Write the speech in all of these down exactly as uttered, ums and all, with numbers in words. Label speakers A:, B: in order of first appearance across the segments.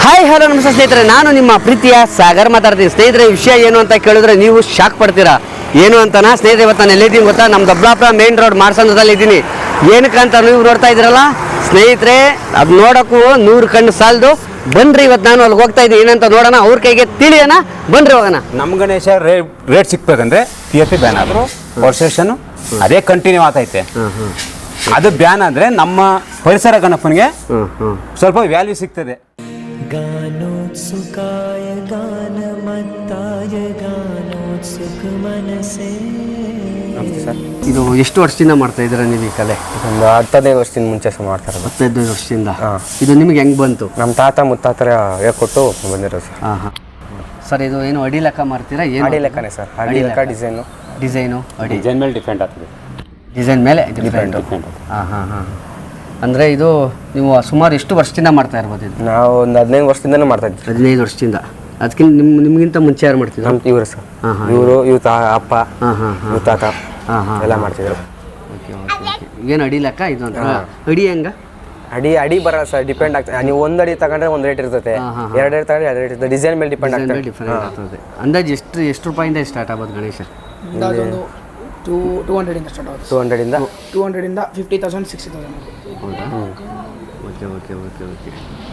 A: Hi hello ನಮಸ್ತೆ ಸ್ನೇಹಿತರೆ, ನಾನು ನಿಮ್ಮ ಪ್ರೀತಿಯ ಸಾಗರ್ ಮಾತಾಡ್ತೀನಿ. ಸ್ನೇಹಿತರೆ, ವಿಷಯ ಏನು ಅಂತ ಕೇಳಿದ್ರೆ ನೀವು ಶಾಕ್ ಪಡ್ತೀರಾ. ಏನು ಅಂತನಾ ಸ್ನೇಹಿತರೆ, ಇವತ್ತು ನಾನು ಎಲ್ಲಿದ್ದೀನಿ ಗೊತ್ತಾ? ನಮ್ಮ ದೊಡ್ಡಬಳ್ಳಾಪುರ ಮೇನ್ ರೋಡ್ ಮಾರ್ಸಂದ್ರದಲ್ಲಿ ಇದ್ದೀನಿ. ಏನಕ್ಕೆ ಅಂತ ನೀವು ನೋಡ್ತಾ ಇದ್ದೀರಲ್ಲ ಸ್ನೇಹಿತರೆ, ಅದು ನೋಡೋಕ್ಕೂ ನೂರು ಕಣ್ಣು ಸಾಲದು. ಬನ್ರಿ, ಇವತ್ತು ನಾನು ಅಲ್ಲಿಗೆ ಹೋಗ್ತಾ ಇದ್ದೀನಿ. ಏನಂತ ನೋಡೋಣ, ಅವ್ರ ಕೈಗೆ ತಿಳಿಯೋಣ. ಬನ್ರಿ ಹೋಗೋಣ.
B: ನಮ್ಮ ಗಣೇಶ ರೇಟ್ ಸಿಕ್ಬೇಕಂದ್ರೆ ಪಿ ಎಫ್ ಪಿ ಬ್ಯಾನ್ ಆದರು ವರ್ಷನ್ ಅದೇ ಕಂಟಿನ್ಯೂ ಆಗ್ತೈತೆ. ಅದು ಬ್ಯಾನ್ ಆದರೆ ನಮ್ಮ ಪರಿಸರ ಗಣಪನಿಗೆ ಸ್ವಲ್ಪ ವ್ಯಾಲ್ಯೂ ಸಿಗ್ತದೆ.
C: ಗಾನೋತ್ಸುಕಾಯ ಗಾನಮತ್ತಾಯ ಗಾನೋತ್ಸುಕ ಮನಸೇ.
A: ಇದು ಎಷ್ಟು ವರ್ಷದಿಂದ ಮಾಡ್ತಾ ಇದ್ದೀರಾ ನೀವು ಈ ಕಲೆ?
D: ಒಂದು ಹತ್ತದೈದು ವರ್ಷದಿಂದ ಮುಂಚೆ ಮಾಡ್ತಾರೆ.
A: ಹತ್ತೈದು ವರ್ಷದಿಂದ. ಇದು ನಿಮ್ಗೆ ಹೆಂಗೆ ಬಂತು?
D: ನಮ್ಮ ತಾತ ಮುತ್ತಾತರ ಹೇಳ್ಕೊಟ್ಟು ಬಂದಿರೋ ಸರ್.
A: ಹಾಂ ಹಾಂ ಸರ್, ಇದು ಏನು ಅಡಿ ಲೆಕ್ಕ ಮಾಡ್ತೀರಾ? ಏನು
D: ಅಡಿ ಲೆಕ್ಕನೇ ಸರ್. ಅಡಿ ಲೆಕ್ಕ ಡಿಸೈನು
A: ಡಿಸೈನು ಅಡಿ
B: ಡಿಸೈನ್ ಮೇಲೆ ಡಿಪೆಂಡ್ ಆಗ್ತದೆ.
A: ಡಿಸೈನ್ ಮೇಲೆ ಡಿಪೆಂಡ್. ಹಾಂ ಹಾಂ ಹಾಂ ಅಂದರೆ ಇದು ನೀವು ಸುಮಾರು ಎಷ್ಟು ವರ್ಷದಿಂದ ಮಾಡ್ತಾ ಇರ್ಬೋದು? ಇದು
D: ನಾವು ಒಂದು ಹದಿನೈದು ವರ್ಷದಿಂದನೂ ಮಾಡ್ತಾ ಇದ್ವಿ.
A: ಹದಿನೈದು ವರ್ಷದಿಂದ. ಅದಕ್ಕಿಂತ ನಿಮ್ಮ ನಿಮಗಿಂತ ಮುಂಚೆ ಯಾರು ಮಾಡ್ತಿದ್ರು?
D: ನಮ್ಮ ಇವರು ಸರ್.
A: ಹಾಂ ಹಾಂ
D: ಇವರು ಇವ್ರ ತಾ ಅಪ್ಪ
A: ಹಾಂ ಹಾಂ ಹಾಂ
D: ಇವ್ರ ತಾತ
A: ಹಾಂ ಹಾಂ
D: ಎಲ್ಲ ಮಾಡ್ತಿದ್ರು.
A: ಓಕೆ ಓಕೆ ಓಕೆ ಏನು ಅಡಿ ಲೆಕ್ಕ ಇದು ಅಂತ? ಅಡಿ ಹೆಂಗ?
D: ಅಡಿ ಅಡಿ ಬರಲ್ಲ ಸರ್, ಡಿಪೆಂಡ್ ಆಗ್ತದೆ. ನೀವು ಒಂದು ಅಡಿ ತಗೊಂಡ್ರೆ ಒಂದು ರೇಟ್ ಇರ್ತದೆ, ಎರಡು ಅಡಿ ತಗೊಂಡ್ರೆ ಎರಡು ರೇಟ್ ಇರ್ತದೆ. ಡಿಸೈನ್ ಮೇಲೆ ಡಿಪೆಂಡ್ ಆಗ್ತದೆ.
A: ಡಿಫರೆಂಟ್ ಆಗ್ತದೆ. ಅಂದಾಜು ಎಷ್ಟು ಎಷ್ಟು ರೂಪಾಯಿಂದ ಸ್ಟಾರ್ಟ್ ಆಗ್ಬೋದು ಗಣೇಶ?
E: ಟೂ ಟೂ ಹಂಡ್ರೆಡಿಂದ ಸ್ಟಾರ್ಟ್ ಆಗುತ್ತೆ.
D: ಟೂ ಹಂಡ್ರೆಡಿಂದ
E: ಟೂ ಹಂಡ್ರೆಡಿಂದ ಫಿಫ್ಟಿ ತೌಸಂಡ್ ಸಿಕ್ಸ್ಟಿ ತೌಸಂಡ್.
A: ಹೌದಾ? Okay okay okay okay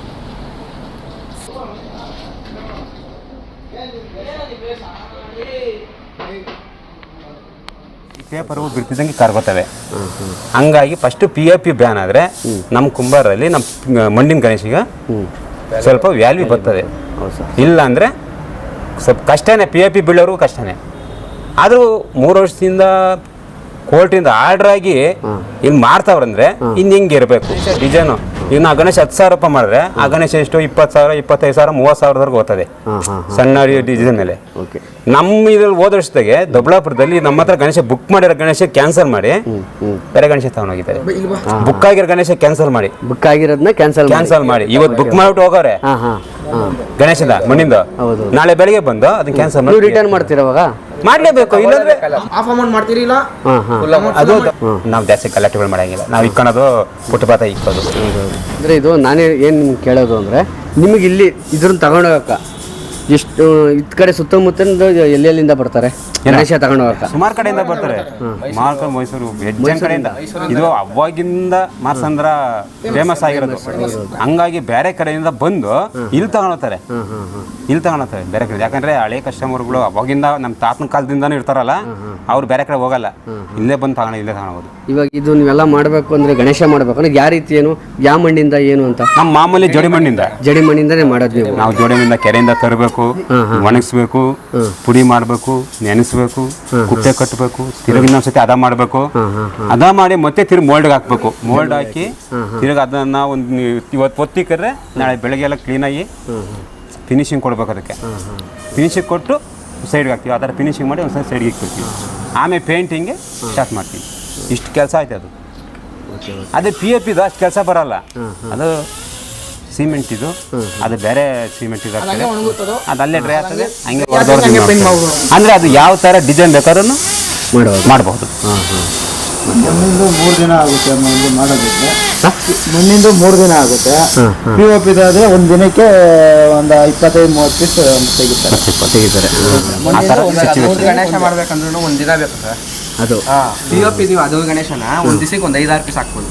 B: paper ಬಿಡ್ತಿದ್ದಂಗೆ ಕರ್ಗೋತವೆ. ಹಂಗಾಗಿ first P F P ban ಆದರೆ ನಮ್ಮ ಕುಂಬಾರಲ್ಲಿ ನಮ್ಮ ಮಣ್ಣಿನ ಗಣೇಶಿಗೆ ಸ್ವಲ್ಪ ವ್ಯಾಲ್ಯೂ ಬರ್ತದೆ. ಇಲ್ಲ ಅಂದರೆ ಸ್ವಲ್ಪ ಕಷ್ಟನೇ, ಪಿ ಎಫ್ ಪಿ ಬೀಳೋರ್ಗೂ ಕಷ್ಟನೇ. ಆದರೂ ಮೂರು ವರ್ಷದಿಂದ ಕೋರ್ಟಿಂದ ಆರ್ಡ್ರ್ ಆಗಿ ಇಲ್ಲಿ ಮಾಡ್ತಾವ್ರಂದ್ರೆ ಇನ್ನು ಹಿಂಗೆ ಇರಬೇಕು ಡಿಸೈನು. ಈಗ ನಾವು ಗಣೇಶ ಹತ್ತು ಸಾವಿರ ರೂಪಾಯಿ ಮಾಡಿದ್ರೆ ಆ ಗಣೇಶ ಎಷ್ಟು ಇಪ್ಪತ್ತು ಸಾವಿರ ಇಪ್ಪತ್ತೈದು ಸಾವಿರ ಮೂವತ್ತು ಸಾವಿರದವರೆಗೂ ಹೋಗ್ತದೆ ಸಣ್ಣ ಡಿಸೈನ್ ಮೇಲೆ.
A: ಓಕೆ.
B: ನಮ್ಮ ಇದ್ರಲ್ಲಿ ಹೋದ ವರ್ಷದಾಗೆ ದೊಡ್ಡಬಳ್ಳಾಪುರದಲ್ಲಿ ನಮ್ಮ ಹತ್ರ ಗಣೇಶ ಬುಕ್ ಮಾಡಿರೋ ಗಣೇಶ ಕ್ಯಾನ್ಸಲ್ ಮಾಡಿ ಬೇರೆ ಗಣೇಶ ತಗೊಂಡೋಗಿದ್ದಾರೆ. ಬುಕ್ ಆಗಿರೋ ಗಣೇಶ ಕ್ಯಾನ್ಸಲ್ ಮಾಡಿ
A: ಬುಕ್ ಆಗಿರೋದನ್ನ ಕ್ಯಾನ್ಸಲ್
B: ಕ್ಯಾನ್ಸಲ್ ಮಾಡಿ ಇವತ್ತು ಬುಕ್ ಮಾಡಿಬಿಟ್ಟು ಹೋಗೋರೆ
A: ಹಾಂ ಹಾಂ ಹಾಂ
B: ಗಣೇಶದ ಮಣ್ಣಿಂದ. ನಾಳೆ ಬೆಳಿಗ್ಗೆ ಬಂದು ಅದನ್ನ ಕ್ಯಾನ್ಸಲ್ ಮಾಡಿ
A: ರಿಟರ್ನ್ ಮಾಡ್ತೀರವಾಗ
B: ಮಾಡ್ಲೇಬೇಕು. ಇಲ್ಲಾಂದ್ರೆ
E: ಆಫ್ ಅಮೌಂಟ್ ಮಾಡ್ತೀರಿಲ್ಲ.
A: ಹಾಂ ಹಾಂ
B: ಅದು ನಾವು ಜಾಸ್ತಿ ಕಲೆಕ್ಟಿಬಲ್ ಮಾಡಂಗಿಲ್ಲ. ನಾವು ಇಕ್ಕೊಳೋದು ಪುಟ್ಟಪಾತ ಇಕ್ಕೋದು.
A: ಅಂದರೆ ಇದು ನಾನೇ ಏನು ನಿಮ್ಗೆ ಕೇಳೋದು ಅಂದರೆ, ನಿಮಗೆ ಇಲ್ಲಿ ಇದ್ರನ್ನ ತಗೊಂಡೋಗಕ್ಕ ಎಷ್ಟು ಇದ್ ಕಡೆ ಸುತ್ತಮುತ್ತಲಿಂದ ಎಲ್ಲೆಲ್ಲಿಂದ ಬರ್ತಾರೆ ಗಣೇಶ ತಗೊಂಡೋಗಕ್ಕ?
B: ಸುಮಾರು ಕಡೆಯಿಂದ ಬರ್ತಾರೆ. ಮಾರ್ಕ ಮೈಸೂರು ಹೆಜ್ಜೆ ಕಡೆಯಿಂದ. ಇದು ಅವಾಗಿಂದ ಮಾರ್ಸಂದ್ರ ಫೇಮಸ್ ಆಗಿರೋದು. ಹಂಗಾಗಿ ಬೇರೆ ಕಡೆಯಿಂದ ಬಂದು ಇಲ್ಲಿ ತಗೊಂಡೋಗ್ತಾರೆ. ಇಲ್ಲಿ ತಗೊಂಡೋಗ್ತಾರೆ ಬೇರೆ ಕಡೆ. ಯಾಕಂದ್ರೆ ಹಳೆ ಕಸ್ಟಮರ್ಗಳು ಅವಾಗಿಂದ ನಮ್ಮ ತಾತನ ಕಾಲದಿಂದಾನು ಇರ್ತಾರಲ್ಲ, ಅವ್ರು ಬೇರೆ ಕಡೆ ಹೋಗಲ್ಲ, ಇಲ್ಲೇ ಬಂದು ತಗೊಂಡು ಇಲ್ಲೇ ತಗೊಂಡೋಗೋದು.
A: ಇವಾಗ ಇದು ನೀವೆಲ್ಲ ಮಾಡಬೇಕು ಅಂದರೆ ಗಣೇಶ ಮಾಡಬೇಕು ಅಂದ್ರೆ ಯಾವ ರೀತಿ, ಏನು ಯಾವ ಮಣ್ಣಿಂದ ಏನು ಅಂತ?
B: ನಮ್ಮ ಮಾಮೂಲಿ ಜೋಡಿ ಮಣ್ಣಿಂದ
A: ಜಡಿ ಮಣ್ಣಿಂದನೇ ಮಾಡೋದು ನೀವು?
B: ನಾವು ಜೋಡಿ ಮಣ್ಣಿಂದ ಕೆರೆಯಿಂದ ತರಬೇಕು, ಒಣಗಿಸ್ಬೇಕು, ಪುಡಿ ಮಾಡಬೇಕು, ನೆನೆಸ್ಬೇಕು, ಕುಪ್ಪೆ ಕಟ್ಟಬೇಕು, ತಿರುಗಿ ಇನ್ನೊಂದ್ಸತಿ ಅದ ಮಾಡಬೇಕು. ಅದ ಮಾಡಿ ಮತ್ತೆ ತಿರುಗಿ ಮೋಲ್ಡ್ಗೆ ಹಾಕ್ಬೇಕು. ಮೋಲ್ಡ್ ಹಾಕಿ ತಿರುಗಿ ಅದನ್ನ ಒಂದು ಇವತ್ತು ಒತ್ತಿಕ್ಕರೆ ನಾಳೆ ಬೆಳಗ್ಗೆ ಎಲ್ಲ ಕ್ಲೀನಾಗಿ ಫಿನಿಶಿಂಗ್ ಕೊಡ್ಬೇಕು. ಅದಕ್ಕೆ ಫಿನಿಶಿಂಗ್ ಕೊಟ್ಟು ಸೈಡ್ಗೆ ಹಾಕ್ತೀವಿ. ಆ ಥರ ಫಿನಿಶಿಂಗ್ ಮಾಡಿ ಒಂದ್ಸಲ ಸೈಡ್ಗೆ ಇಕ್ಬಿಡ್ತೀವಿ. ಆಮೇಲೆ ಪೇಂಟಿಂಗ್ಗೆ ಸ್ಟಾರ್ಟ್ ಮಾಡ್ತೀವಿ. ಇಷ್ಟು ಕೆಲಸ ಆಯ್ತು. ಅದು ಅದೇ ಪಿ ಎಫ್ ಇದು ಅಷ್ಟು ಕೆಲಸ ಬರಲ್ಲ. ಅದು ಸಿಮೆಂಟ್ ಇದು, ಅದು ಬೇರೆ ಸಿಮೆಂಟ್ ಇದಾಗ್ತದೆ, ಅದು ಅಲ್ಲೇ ಡ್ರೈ ಆಗ್ತದೆ. ಹಂಗೆ ಅಂದರೆ ಅದು ಯಾವ ಥರ ಡಿಸೈನ್ ಬೇಕಾದ್ರೂ
A: ಮಾಡಬಹುದು
B: ಮಾಡಬಹುದು.
A: ಹಾಂ ಹಾಂ
F: ಮಣ್ಣಿಂದು ಮೂರು ದಿನ ಆಗುತ್ತೆ. ಮಣ್ಣಿಂದು ಮಾಡೋದಿದ್ರೆ ಮಣ್ಣಿಂದು ಮೂರು ದಿನ ಆಗುತ್ತೆ. ಪಿ ಒ ಪಿ ಇದಾದ್ರೆ ಒಂದು ದಿನಕ್ಕೆ ಒಂದು ಇಪ್ಪತ್ತೈದು ಮೂವತ್ತು ಪೀಸ್ ತೆಗಿತಾರೆ
A: ತೆಗಿತಾರೆ
D: ಗಣೇಶ ಮಾಡ್ಬೇಕಂದ್ರೂ ಒಂದು ದಿನ ಬೇಕು ಸರ್.
A: ಅದು
D: ಪಿ ಒ ಪಿ ಇದೀವಿ ಅದು ಗಣೇಶನ ಒಂದು ದಿವಸಕ್ಕೆ ಒಂದು ಐದಾರು ಪೀಸ್ ಹಾಕ್ಬೋದು.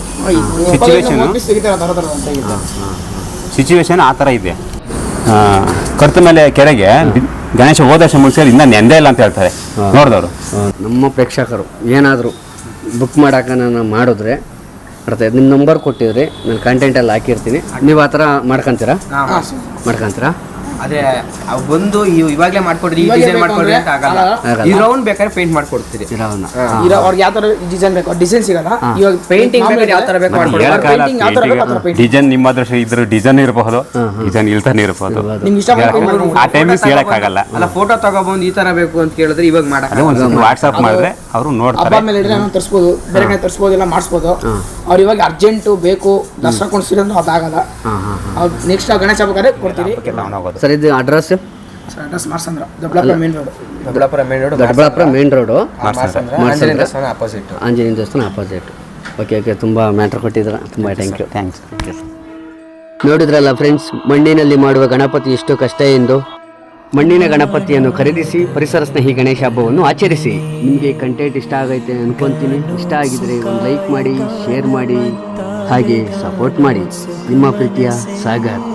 B: ಸಿಚುವೇಶನ್ ಆ ಥರ ಇದೆ. ಕರ್ತ ಮೇಲೆ ಕೆರೆಗೆ ಗಣೇಶ ಹೋದ ವರ್ಷ ಮುಗಿಸಿದ್ರೆ ಇನ್ನೂ ನೆಂದೇ ಇಲ್ಲ ಅಂತ ಹೇಳ್ತಾರೆ ನೋಡಿದವರು.
A: ನಮ್ಮ ಪ್ರೇಕ್ಷಕರು ಏನಾದರೂ ಬುಕ್ ಮಾಡೋಕೆ ನಾನು ಮಾಡಿದ್ರೆ ಬರ್ತದೆ. ನಿಮ್ಮ ನಂಬರ್ ಕೊಟ್ಟಿದ್ರಿ, ನಾನು ಕಂಟೆಂಟಲ್ಲಿ ಹಾಕಿರ್ತೀನಿ. ನೀವು ಆ ಥರ ಮಾಡ್ಕೊತೀರಾ? ಮಾಡ್ಕೊತೀರಾ?
D: ಅದೇ ಬಂದು ಇವಾಗಲೇ ಮಾಡ್ಕೊಡ್ರಿ, ಈ ಡಿಸೈನ್ ಮಾಡ್ಕೊಡ್ರಿ ಅಂತ ಆಗಲ್ಲ. ಈ ರೌಂಡ್ ಬೇಕಾದ್ರೆ ಪೇಂಟ್ ಮಾಡ್ಕೊಡ್ತೀರಿ.
A: ಇರೋವನ್ನ
E: ಇರೋ ಅವ್ರಿಗೆ ಯಾವ ಥರ ಡಿಸೈನ್ ಬೇಕು ಡಿಸೈನ್ ಸಿಗಲ್ಲ. ಇವಾಗ
D: ಪೇಂಟಿಂಗ್ ಬೇಕಾದ್ರೆ ಯಾವ ಥರ ಬೇಕು ಮಾಡ್ಕೊಡ್ತೀವಿ.
B: ಡಿಸೈನ್ ನಿಮ್ಮ ಹತ್ರ ಇದ್ರ ಡಿಸೈನ್ ಇರಬಹುದು, ಡಿಸೈನ್ ಇಲ್ತಾನೆ ಇರಬಹುದು.
E: ನಿಮ್ಗೆ ಇಷ್ಟ
B: ಆ ಟೈಮಿಗೆ ಹೇಳಕ್ಕಾಗಲ್ಲ.
D: ಅಲ್ಲ ಫೋಟೋ ತಗೊಬಂದು ಈ ತರ ಬೇಕು ಅಂತ ಕೇಳಿದ್ರೆ ಇವಾಗ ಮಾಡಕ್ಕೆ
B: ಒಂದು ವಾಟ್ಸ್ಆಪ್ ಮಾಡಿದ್ರೆ ಅವರು ನೋಡ್ತಾರೆ.
E: ಹಬ್ಬ ಮೇಲೆ ಇದ್ರೆ ನಾನು ತರಿಸ್ಬೋದು, ಬೇರೆ ಕಡೆ ತರಿಸ್ಬೋದು, ಇಲ್ಲ ಮಾಡಿಸ್ಬೋದು. ಅವ್ರು ಇವಾಗ ಅರ್ಜೆಂಟು ಬೇಕು ದಸರಾ ಕೊಂಡಿಸಿದ್ರೆ ಅದಾಗಲ್ಲ. ನೆಕ್ಸ್ಟ್ ಗಣೇಶ ಬೇಕಾದ್ರೆ ಕೊಡ್ತೀರಿ.
A: ಸರ್, ಇದು address?
E: Address Marsandra, Doddaballapura main road.
D: Doddaballapura main road,
A: Doddaballapura main road,
D: Anjaneya ದೇವಸ್ಥಾನ ಅಪೋಸಿಟ್.
A: ಆಂಜನೇಯ ದೇವಸ್ಥಾನ ಅಪೋಸಿಟ್. ಓಕೆ ಓಕೆ ತುಂಬ ಮ್ಯಾಟ್ರ್ ಕೊಟ್ಟಿದ್ದೀರಾ. ತುಂಬ ಥ್ಯಾಂಕ್ ಯು.
B: ಥ್ಯಾಂಕ್ಸ್.
A: ನೋಡಿದ್ರಲ್ಲ ಫ್ರೆಂಡ್ಸ್, ಮಣ್ಣಿನಲ್ಲಿ ಮಾಡುವ ಗಣಪತಿ ಎಷ್ಟು ಕಷ್ಟ ಎಂದು. ಮಣ್ಣಿನ ಗಣಪತಿಯನ್ನು ಖರೀದಿಸಿ ಪರಿಸರ ಸ್ನೇಹಿ ಗಣೇಶ ಹಬ್ಬವನ್ನು ಆಚರಿಸಿ. ನಿಮಗೆ ಕಂಟೆಂಟ್ ಇಷ್ಟ ಆಗೈತೆ ಅನ್ಕೊಂತೀನಿ. ಇಷ್ಟ ಆಗಿದ್ರೆ ಒಂದು ಲೈಕ್ ಮಾಡಿ, ಶೇರ್ ಮಾಡಿ, ಹಾಗೆ ಸಪೋರ್ಟ್ ಮಾಡಿ. ನಿಮ್ಮ ಪ್ರೀತಿಯ ಸಾಗರ್.